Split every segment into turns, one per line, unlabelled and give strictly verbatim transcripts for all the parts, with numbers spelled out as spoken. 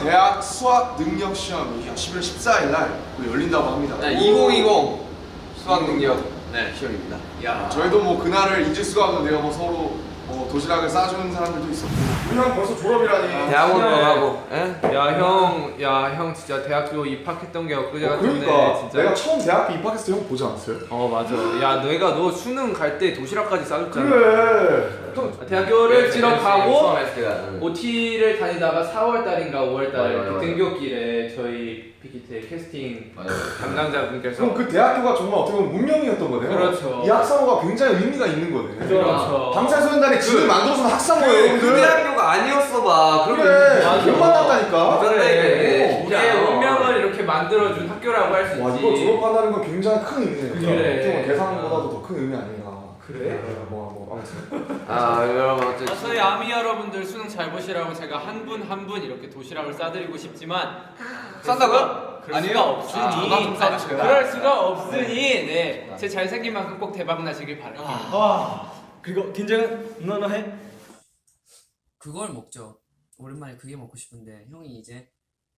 대학 수학 능력 시험이 십일월 십사일 날 열린다고 합니다.
네, 이천이십 수학 능력 네, 시험입니다. 야.
저희도 뭐 그날을 잊을 수가 없는데요. 뭐 서로 뭐 도시락을 싸주는 사람들도 있었고. 우리 형 벌써 졸업이라니.
대학원 가고.
야 형, 야 형 진짜 대학교 입학했던 게 엊그제
어,
같은데
그러니까
진짜.
내가 처음 대학교 입학했을 때 형 보지 않았어요?
어 맞아. 야 내가 너 수능 갈 때 도시락까지 싸줬잖아.
그래.
대학교를 졸업하고
처음 했을 때가. 응.
오티를 다니다가 사월 달인가 오월 달에
맞아, 맞아,
등교길에 저희 빅히트의 캐스팅
맞아.
담당자분께서
그럼 그 대학교가 정말 어떻게 보면 문명이었던 거네요.
그렇죠.
이 학사모가 굉장히 의미가 있는 거네.
그렇죠.
방탄소년단의 진을 만들어준 학사모예요,
그
여러분들.
대학교가 아니었어 봐.
그래.
맞아.
못 만났다니까.
그래.
우리의 운명을 이렇게 만들어준 학교라고 할 수 있지.
와, 이거 졸업한다는 건 굉장히 큰 의미네요.
그래.
어떻게 보면 계산보다도 더 큰 의미 아닌가.
그래?
네, 뭐, 뭐, 아무튼.
아 여러분 어쨌든.
아, 저희 아미 여러분들 수능 잘 보시라고 제가 한 분 한 분 이렇게 도시락을 싸드리고 싶지만
싼다고요?
그럴 수가 없으니
아, 저만 좀 싸주세요.
그럴 수가 없으니 네, 제 잘생긴 만큼 꼭 대박 나시길 바랄게요.
아, 그리고 긴장은 너너 해?
그걸 먹죠. 오랜만에 그게 먹고 싶은데 형이 이제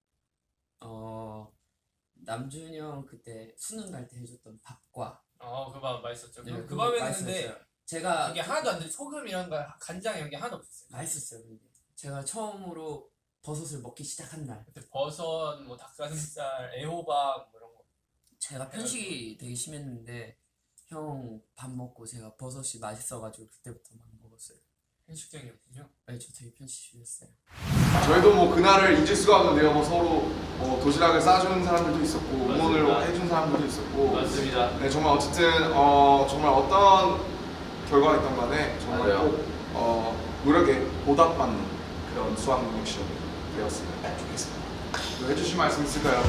어 남준이 형 그때 수능 갈 때 해줬던 밥과
어, 그 밥 맛있었죠.
네,
그, 그
그거
밥에는
맛있었어요.
근데
제가
이게 하나도 안 돼. 소금 이런 거 간장 이런 게 하나도 없었어요.
맛있었어요. 근데 제가 처음으로 버섯을 먹기 시작한 날
그때 버섯, 뭐 닭가슴살, 애호박 뭐 이런 거.
제가 편식이 되게 심했는데 형 밥 먹고 제가 버섯이 맛있어가지고 그때부터 막 먹었어요.
편식쟁이였군요.
네, 저 되게 편식 심했어요.
저희도 뭐 그날을 잊을 수가 없는데요. 뭐 서로 뭐 도시락을 싸주는 사람들도 있었고 응원을
맞습니다.
해준 사람들도 있었고.
맞습니다.
네, 정말 어쨌든 어 정말 어떤 결과가 있던 간에 정말
맞아요.
꼭 어, 노력에 보답받는 그런 수학 능력 시험이 되었으면 좋겠습니다. 뭐 해주실 말씀 있을까요?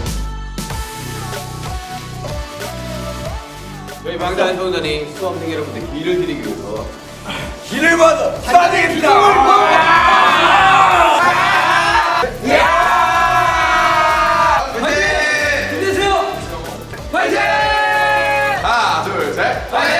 저희 방탄소년단이 수험생 여러분들 길을 드리기 위해서 길을 받아 싸드립니다.
힘내세요! 파이팅! 하나, 둘, 셋! 파이팅!